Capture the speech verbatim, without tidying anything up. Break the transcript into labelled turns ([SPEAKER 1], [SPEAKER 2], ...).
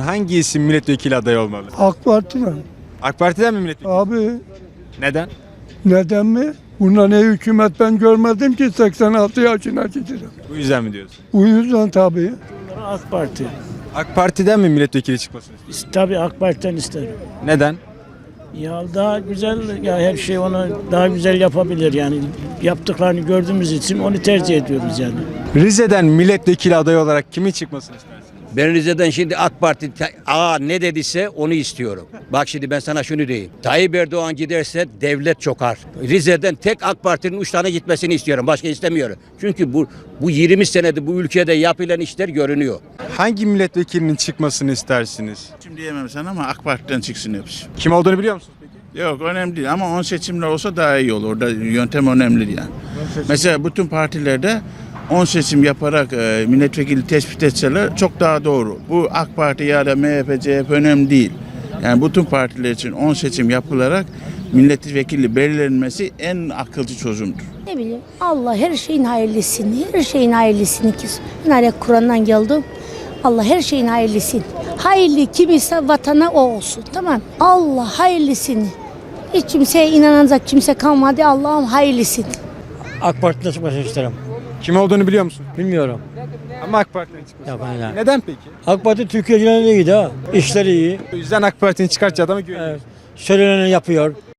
[SPEAKER 1] hangi isim milletvekili adayı olmalı?
[SPEAKER 2] AK Parti'den.
[SPEAKER 1] AK Parti'den mi milletvekili?
[SPEAKER 2] Abi
[SPEAKER 1] Neden?
[SPEAKER 2] neden mi? Bunda ne hükümet ben görmedim ki seksen altı yaşına gidiyorum.
[SPEAKER 1] Bu yüzden mi diyorsun?
[SPEAKER 2] Bu yüzden tabii.
[SPEAKER 3] AK Parti.
[SPEAKER 1] AK Parti'den mi milletvekili çıkmasını istiyorsun?
[SPEAKER 3] Tabii AK Parti'den isterim.
[SPEAKER 1] Neden?
[SPEAKER 3] Ya daha güzel, ya her şey onu daha güzel yapabilir yani. Yaptıklarını gördüğümüz için onu tercih ediyoruz yani.
[SPEAKER 1] Rize'den milletvekili adayı olarak kimin çıkmasını istersin?
[SPEAKER 4] Ben Rize'den şimdi AK Parti aa ne dediyse onu istiyorum. Bak şimdi ben sana şunu diyeyim. Tayyip Erdoğan giderse devlet çöker. Rize'den tek AK Parti'nin üç tane gitmesini istiyorum. Başka istemiyorum. Çünkü bu bu yirmi senede bu ülkede yapılan işler görünüyor.
[SPEAKER 1] Hangi milletvekilinin çıkmasını istersiniz?
[SPEAKER 5] Seçim diyemem sana ama AK Parti'den çıksın hepsi.
[SPEAKER 1] Kim olduğunu biliyor musunuz peki?
[SPEAKER 5] Yok önemli değil ama on seçimler olsa daha iyi olur. Orada yöntem önemli yani. Mesela bütün partilerde on seçim yaparak e, milletvekili tespit etseler çok daha doğru. Bu AK Parti ya da M H P, C H P önemli değil. Yani bütün partiler için on seçim yapılarak milletvekili belirlenmesi en akılcı çözümdür.
[SPEAKER 6] Ne bileyim Allah her şeyin hayırlısını, her şeyin hayırlısını ki. Ben araya Kur'an'dan geldim. Allah her şeyin hayırlısını. Hayırlı kim ise vatana o olsun, tamam. Allah hayırlısını. Hiç kimseye inanacak kimse kalmadı. Allah'ım hayırlısını.
[SPEAKER 3] AK Parti'den çıkmasını isterim.
[SPEAKER 1] Kim olduğunu biliyor musun?
[SPEAKER 3] Bilmiyorum.
[SPEAKER 1] Ama AK Parti'den çıkmasını.
[SPEAKER 3] Ya ben ya.
[SPEAKER 1] Neden peki?
[SPEAKER 3] AK Parti Türkiye'den iyi de, işleri iyi.
[SPEAKER 1] O yüzden AK Parti'nin çıkartacağı adama
[SPEAKER 3] Evet.
[SPEAKER 1] güveniyorsun.
[SPEAKER 3] Söyleneni yapıyor.